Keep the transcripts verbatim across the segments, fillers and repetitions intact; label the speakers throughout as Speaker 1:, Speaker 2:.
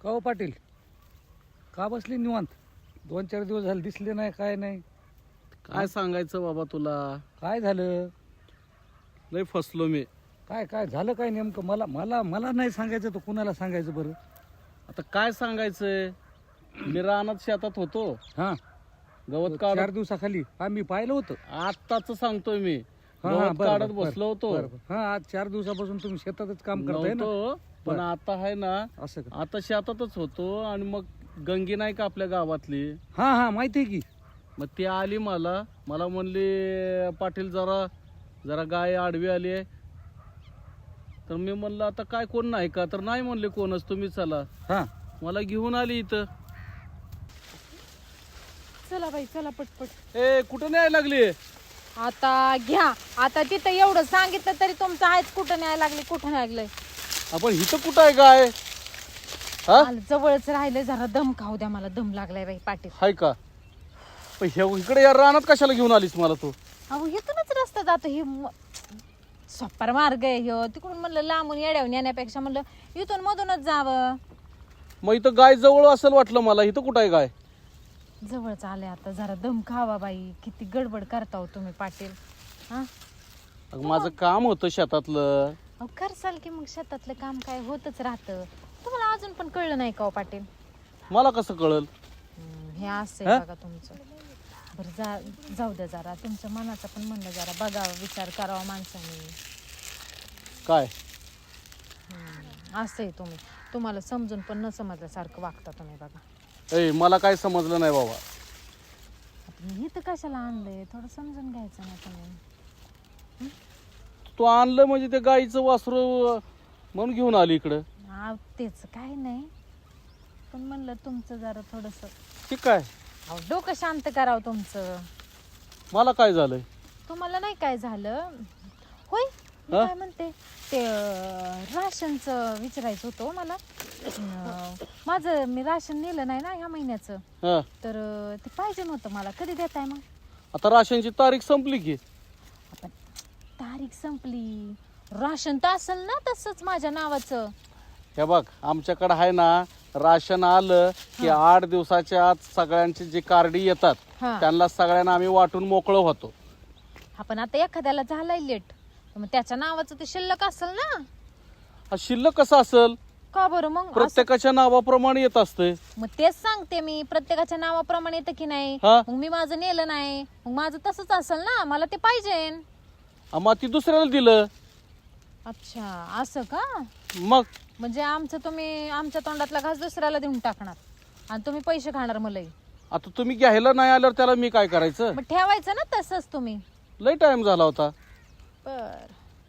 Speaker 1: का हो पाटील, का बसली निवांत? दोन चार दिवस झाले दिसले नाही, काय नाही.
Speaker 2: काय सांगायचं बाबा तुला,
Speaker 1: काय झालं?
Speaker 2: लय फसलो मी.
Speaker 1: काय काय झालं काय नेमकं? मला मला मला नाही सांगायचं तर कुणाला सांगायचं बरं?
Speaker 2: आता काय सांगायचंय, मी रानात शेतात होतो,
Speaker 1: हा,
Speaker 2: गवत
Speaker 1: चार
Speaker 2: काढत.
Speaker 1: दिवसाखाली हा मी पाहिलं होतं.
Speaker 2: आत्ताच सांगतोय मी,
Speaker 1: हा, हा,
Speaker 2: गवत
Speaker 1: बरं,
Speaker 2: काढत
Speaker 1: बरं,
Speaker 2: बसलो होतो.
Speaker 1: बरं, बरं. हा, आज चार दिवसापासून तुम्ही शेतातच काम करताय ना?
Speaker 2: नव्हतो, पण
Speaker 1: बरं.
Speaker 2: आता आहे ना,
Speaker 1: असं का?
Speaker 2: आता शेतातच होतो. आणि मग गंगी नाही का आपल्या गावातली,
Speaker 1: हा हा माहिती आहे की.
Speaker 2: मग ती आली मला मला म्हणली पाटील जरा जरा गाय आडवी आली आहे. तर मी म्हणलं आता काय कोण नाही का, तर नाही म्हणले कोणच, तुम्ही चला.
Speaker 1: हा,
Speaker 2: मला घेऊन आली इथं.
Speaker 3: चला बाई चला पटपट.
Speaker 2: ए कुठं न्याय लागली?
Speaker 3: आता घ्या, आता तिथं एवढं सांगितलं तरी तुमचं आहेच, कुठं न्याय लागले कुठं न्याय लागलंय.
Speaker 2: आपण इथं कुठं आहे गाय? हा
Speaker 3: मला जवळच राहिलंय, जरा दम खाऊ द्या, मला दम लागलाय बाई पाटील.
Speaker 2: हाय का? पण हे इकडे या रानात कशाला घेऊन आलीस मला तू?
Speaker 3: अहो इथूनच रस्ता जातो, हे म- सोप्पर मार्ग आहे ह्यो. तिकडून म्हणलं लांबून येड्यावून येण्यापेक्षा म्हणलं इथून मधूनच जावं.
Speaker 2: मग इथं गाय जवळ असेल वाटलं मला. इथं कुठं आहे गाय?
Speaker 3: जवळच आले, आता जरा दम खावा बाई. किती गडबड करता हो तुम्ही पाटील. हा
Speaker 2: अगं, माझं काम होतं शेतातलं.
Speaker 3: अहो करसाल की मग, शेतातलं काम काय होतच राहतं. तुम्हाला अजून पण कळलं नाही का हो पाटील?
Speaker 2: मला कसं कळल?
Speaker 3: हम्म, हे असं
Speaker 2: हा?
Speaker 3: आहे बघा तुमचं. बरं जा जाऊ द्या, जरा तुमच्या मनाचं पण म्हणलं जरा बघावं, विचार करावा माणसाने.
Speaker 2: काय
Speaker 3: हम्म, असं आहे तुम्ही, तुम्हाला समजून पण न समजल्यासारखं वागता तुम्ही बघा.
Speaker 2: ए मला काय समजलं नाही बाबा.
Speaker 3: आता मी इथं कशाला आणलंय, थोडं समजून घ्यायचं ना तुम्ही.
Speaker 2: तू आणलं म्हणजे ते गाईचं वासरू म्हणून घेऊन आली इकडं.
Speaker 3: हा तेच काही नाही, पण म्हणलं तुमचं जरा थोडंसं
Speaker 2: ठीक आहे.
Speaker 3: अहो डोकं शांत करावं तुमचं.
Speaker 2: मला काय झालंय?
Speaker 3: तुम्हाला नाही काय झालं होय? मी
Speaker 2: हा?
Speaker 3: काय म्हणते ते अं, राशनचं विचारायचं होतं हो मला. अं, माझं मी राशन नेलं नाही ना ह्या महिन्याचं,
Speaker 2: हा,
Speaker 3: तर अं, ते पाहिजे नव्हतं मला. कधी देताय मग?
Speaker 2: आता राशनची तारीख संपली की.
Speaker 3: आपण तारीख संपली, राशन तर असेल ना तसंच माझ्या नावाचं.
Speaker 2: हे बघ, आमच्याकडे आहे ना, राशन आलं की आठ दिवसाच्या आत सगळ्यांची जी कार्डी येतात
Speaker 3: हा
Speaker 2: त्यांना सगळ्यांना आम्ही वाटून मोकळं होतो.
Speaker 3: आपण आता एखाद्याला झालाय लेट, मग त्याच्या नावाचं ते शिल्लक असेल ना.
Speaker 2: हा, शिल्लक कसं असेल?
Speaker 3: का बरं मग? असं-
Speaker 2: प्रत्येकाच्या नावाप्रमाणे येत असते.
Speaker 3: मग तेच सांगते मी, प्रत्येकाच्या नावाप्रमाणे येतं की नाही.
Speaker 2: हा.
Speaker 3: मग मी माझं नेलं नाही, मग माझं तसंच असेल ना, मला ते पाहिजे.
Speaker 2: मग ती दुसऱ्याला दिलं.
Speaker 3: अच्छा असं का?
Speaker 2: मग
Speaker 3: म्हणजे आमचं तुम्ही आमच्या तोंडातला घास दुसऱ्याला देऊन टाकणार आणि तुम्ही पैसे खाणार मलाही.
Speaker 2: आता तुम्ही घ्यायला नाही आल्यावर त्याला मी काय करायचं?
Speaker 3: मग ठेवायचं ना तसंच तुम्ही.
Speaker 2: लय टाइम झाला होता.
Speaker 3: बर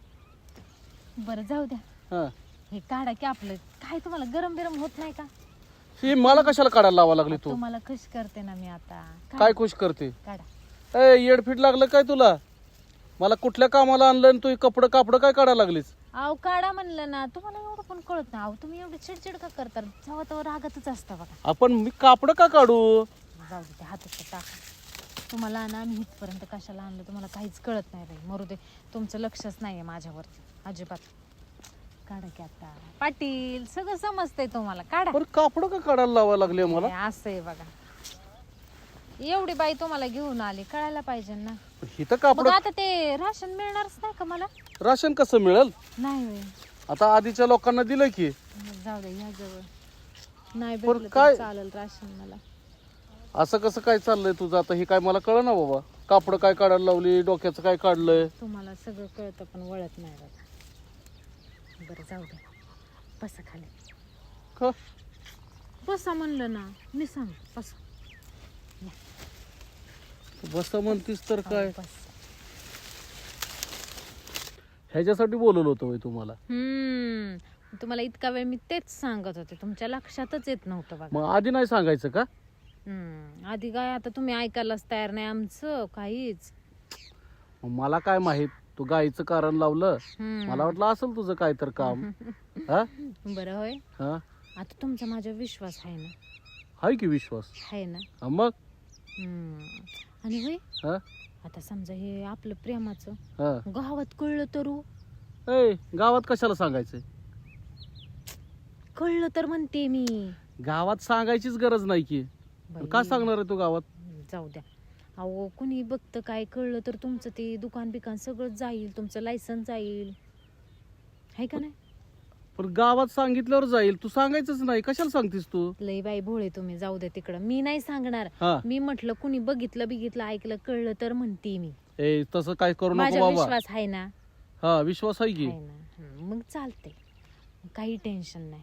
Speaker 3: बरं जाऊ द्या,
Speaker 2: हा,
Speaker 3: हे काढा की आपलं. काय तुम्हाला गरम बिरम होत नाही का?
Speaker 2: ही मला कशाला काढायला लावा लागली तू?
Speaker 3: तुम्हाला खुश करते ना मी आता. काढा,
Speaker 2: काय खुश करते?
Speaker 3: काढा.
Speaker 2: ए येडफीट लागलं काय तुला? मला कुठल्या कामाला आणलं आणि तू कपडं कापडं काय काढायला लागलीस?
Speaker 3: अहो काढा म्हणलं ना, तुम्हाला एवढं पण कळत नाही. अहो तुम्ही एवढी चिडचिड का करता? जेव्हा तेव्हा रागातच असता बघा.
Speaker 2: आपण मी कापडं का काढू?
Speaker 3: जाऊ दे, ते हातात टाका. तुम्हाला ना मी इथपर्यंत कशाला आणलं तुम्हाला काहीच कळत नाही बाई. मरू दे, तुमचं लक्षच नाहीये माझ्यावरती अजिबात. काढा की आता पाटील, सगळं समजतंय तुम्हाला. काढा.
Speaker 2: बरं कापडं का काढायला लावा लागले मला?
Speaker 3: हे असं आहे बघा, एवढी बाई तुम्हाला घेऊन आली, कळायला पाहिजे ना.
Speaker 2: इथं
Speaker 3: मग
Speaker 2: कापड
Speaker 3: आता ते राशन मिळणारच नाही का मला?
Speaker 2: राशन कसं मिळेल?
Speaker 3: नाही होय.
Speaker 2: आता आधीच्या लोकांना दिलं की.
Speaker 3: मग जाऊ दे, ह्या जवळ नाही
Speaker 2: पण
Speaker 3: भेटलं
Speaker 2: काय-
Speaker 3: तर चालेल राशन मला.
Speaker 2: असं कसं काय चाललंय तुझं? आता हे काय मला कळ ना बाबा. कापडं काय काढायला लावली, डोक्याचं काय काढलंय?
Speaker 3: तुम्हाला सगळं कळतं पण वळत नाही बघा. बरं जाऊ दे, बसा खाली.
Speaker 2: का?
Speaker 3: बसा म्हणलं ना मी, सांग बसा.
Speaker 2: बस म्हणतीस तर काय?
Speaker 3: बस.
Speaker 2: ह्याच्यासाठी बोलवलं होतं होय तुम्हाला?
Speaker 3: हम्म तुम्हाला इतका वेळ मी तेच सांगत होते, तुमच्या लक्षातच येत नव्हतं बघा.
Speaker 2: मग आधी नाही सांगायचं का?
Speaker 3: हम्म आधी काय, आता तुम्ही ऐकायलाच तयार नाही आमचं काहीच.
Speaker 2: मग मला काय माहित तू गाईचं कारण लावलं.
Speaker 3: हम्म.
Speaker 2: मला वाटलं असेल तुझं काय तर काम. हा
Speaker 3: बरं होय,
Speaker 2: हा
Speaker 3: आता तुमचा माझ्यावर विश्वास आहे ना?
Speaker 2: हाय की विश्वास?
Speaker 3: आहे ना?
Speaker 2: हा, मग
Speaker 3: हम्म आणि होय,
Speaker 2: हा
Speaker 3: आता समजा हे आपलं प्रेमाचं
Speaker 2: हा
Speaker 3: गावात कळलं तर हो?
Speaker 2: ए गावात कशाला सांगायचंय?
Speaker 3: कळलं तर म्हणते मी.
Speaker 2: गावात सांगायचीच गरज नाही की
Speaker 3: बाई,
Speaker 2: का सांगणार आहे तू गावात?
Speaker 3: जाऊ द्या. अहो कुणी बघतं काय कळलं तर तुमचं ते दुकान बिकान सगळं जाईल, तुमचं लायसन्स जाईल, आहे का नाही?
Speaker 2: पण गावात सांगितल्यावर जाईल, तू सांगायचंच नाही, कशाला सांगतेस तू?
Speaker 3: लय बाई भोळे तुम्ही, जाऊ द्या तिकडं. मी नाही सांगणार.
Speaker 2: हा
Speaker 3: मी म्हटलं कुणी बघितलं बिघितलं ऐकलं कळलं तर म्हणते मी.
Speaker 2: ए तसं काय करू नको
Speaker 3: माझा
Speaker 2: बाबा.
Speaker 3: विश्वास आहे ना,
Speaker 2: हा विश्वास आहे की.
Speaker 3: आहे ना. हं, मग चालते, काही टेन्शन नाही.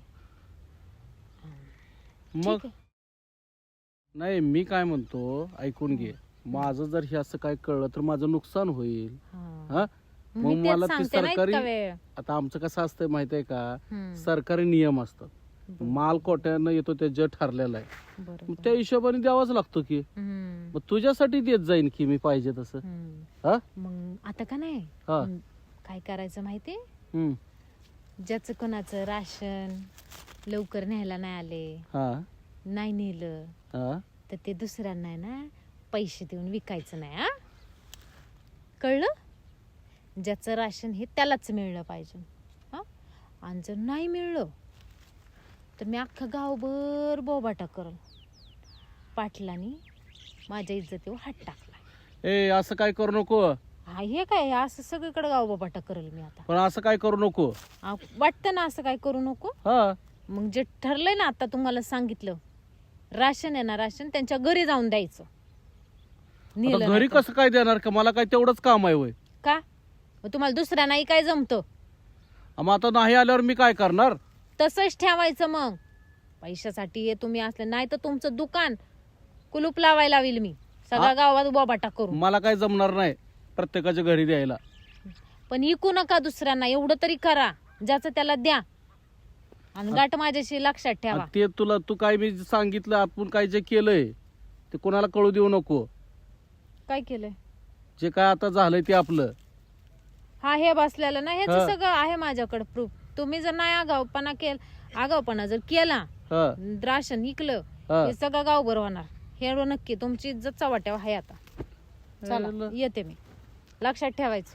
Speaker 2: मग
Speaker 3: ठीक आहे.
Speaker 2: नाही मी काय म्हणतो, ऐकून घे. माझं जर हे असं काय कळलं तर माझं नुकसान होईल.
Speaker 3: हा.
Speaker 2: हा
Speaker 3: मी
Speaker 2: मग
Speaker 3: तेच
Speaker 2: मला ती
Speaker 3: सांगते ना,
Speaker 2: सरकारी-
Speaker 3: इतका वेळ.
Speaker 2: आता आमचं कसं असतंय माहितीये का,
Speaker 3: हं,
Speaker 2: सरकारी नियम असतात.
Speaker 3: बरं,
Speaker 2: माल कोट्यानं येतो ते जे ठरलेलं आहे
Speaker 3: बरं,
Speaker 2: मग
Speaker 3: बरं.
Speaker 2: त्या हिशोबाने द्यावाच लागतो की.
Speaker 3: हं,
Speaker 2: मग तुझ्यासाठी देत जाईन की मी पाहिजे तसं.
Speaker 3: हं.
Speaker 2: हा
Speaker 3: मग आता का नाही,
Speaker 2: हा
Speaker 3: हं, काय करायचं माहितीये,
Speaker 2: हम्म.
Speaker 3: ज्याचं कोणाचं राशन लवकर न्यायला नाही आले,
Speaker 2: हा
Speaker 3: नाही नेलं,
Speaker 2: हा
Speaker 3: तर ते दुसऱ्यांना आहे ना पैसे देऊन विकायचं नाही. हा कळलं? ज्याचं राशन हे त्यालाच मिळलं पाहिजे. हा आणि जर नाही मिळलं तर मी अख्खा गावभर बोबाटा करल. पाटलांनी माझ्या इज्जतीवर हात टाकला.
Speaker 2: ए असं काय करू नको.
Speaker 3: हा हे काय, असं सगळीकडे गाव बोबाटा करल मी आता.
Speaker 2: पण असं काय करू नको.
Speaker 3: आ, वाटतं ना असं काय करू नको.
Speaker 2: हा
Speaker 3: मग जे ठरलंय ना, आता तुम्हाला सांगितलं, राशन आहे ना, राशन त्यांच्या घरी जाऊन द्यायचं. नेलं
Speaker 2: आता
Speaker 3: नाही
Speaker 2: घरी
Speaker 3: तर.
Speaker 2: कसं काय देणार का, मला काय तेवढंच काम आहे वय.
Speaker 3: का मग तुम्हाला दुसऱ्या नाही काय जमतं?
Speaker 2: मग आता नाही आल्यावर मी काय करणार.
Speaker 3: तसंच ठेवायचं. मग पैशासाठी हे तुम्ही असले, नाही तर तुमचं दुकान कुलूप लावायला लावील मी, सगळ्या
Speaker 2: हा?
Speaker 3: गावात बोबाटा करू.
Speaker 2: मला काय जमणार नाही प्रत्येकाच्या घरी द्यायला.
Speaker 3: पण इकू नका दुसऱ्यांना, एवढं तरी करा, ज्याचं त्याला द्या. आणि गाठ माझ्याशी लक्षात ठेवा.
Speaker 2: आणि ते तुला तू काय मी सांगितलं, आपण काय जे केलंय ते कोणाला कळू देऊ नको.
Speaker 3: काय केलंय?
Speaker 2: जे काय आता झालंय ते आपलं.
Speaker 3: हा हे बसलेलं ना, हेच
Speaker 2: हा.
Speaker 3: सगळं आहे माझ्याकडे प्रूफ. तुम्ही जर नाही आगाऊपणा केल आगाऊपणा जर केला,
Speaker 2: हा
Speaker 3: राशन इकलं,
Speaker 2: हा.
Speaker 3: हे सगळं गाव बरं होणार. हे नक्की तुमची इज्जत चव्हाट्यावर आहे आता. चला
Speaker 2: अरे ल-
Speaker 3: येते मी, लक्षात ठेवायचं.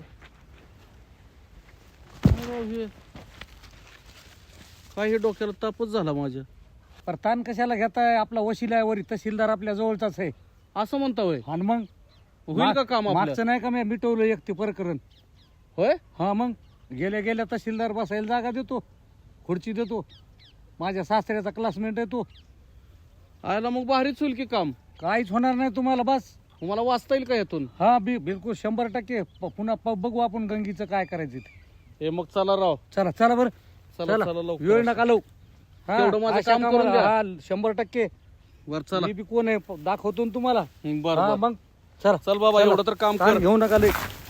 Speaker 2: अरे हे काय हे डोक्याला तापच झाला माझ्या.
Speaker 1: पर ताण कशाला घेताय, आपला वशिला आहे वरी, तहसीलदार आपल्या जवळचाच आहे.
Speaker 2: असं म्हणता होय.
Speaker 1: आणि मग
Speaker 2: होईल का काम आपलं?
Speaker 1: मागचं नाही का मी मिटवलं एक ते प्रकरण.
Speaker 2: होय.
Speaker 1: हा मग गेल्या गेल्या तहसीलदार बसायला जागा देतो, खुर्ची देतो. माझ्या सासऱ्याचा क्लासमेट आहे तो.
Speaker 2: आयला मग भारीच होईल की काम.
Speaker 1: काहीच होणार नाही तुम्हाला. बस
Speaker 2: मला वाचता येईल का यातून?
Speaker 1: हा बी बिलकुल शंभर टक्के. प- पुन्हा प- बघू आपण गंगीचं काय करायचं ते.
Speaker 2: हे मग चला राव.
Speaker 1: चला चला बरं,
Speaker 2: चला
Speaker 1: चला
Speaker 2: चला लवकर.
Speaker 1: वेळ नका लावू. हा,
Speaker 2: तेवढं माझं
Speaker 1: अशा
Speaker 2: काम करून
Speaker 1: कामाला-
Speaker 2: द्या.
Speaker 1: हा, शंभर टक्के.
Speaker 2: बर चला.
Speaker 1: मी बी कोण आहे प- दाखवतो ना तुम्हाला.
Speaker 2: हं, बर
Speaker 1: हा,
Speaker 2: बर.
Speaker 1: मग चला
Speaker 2: चल बाबा,
Speaker 1: चला.
Speaker 2: एवढं तर काम
Speaker 1: ताण
Speaker 2: कर.
Speaker 1: घेऊ नका लय.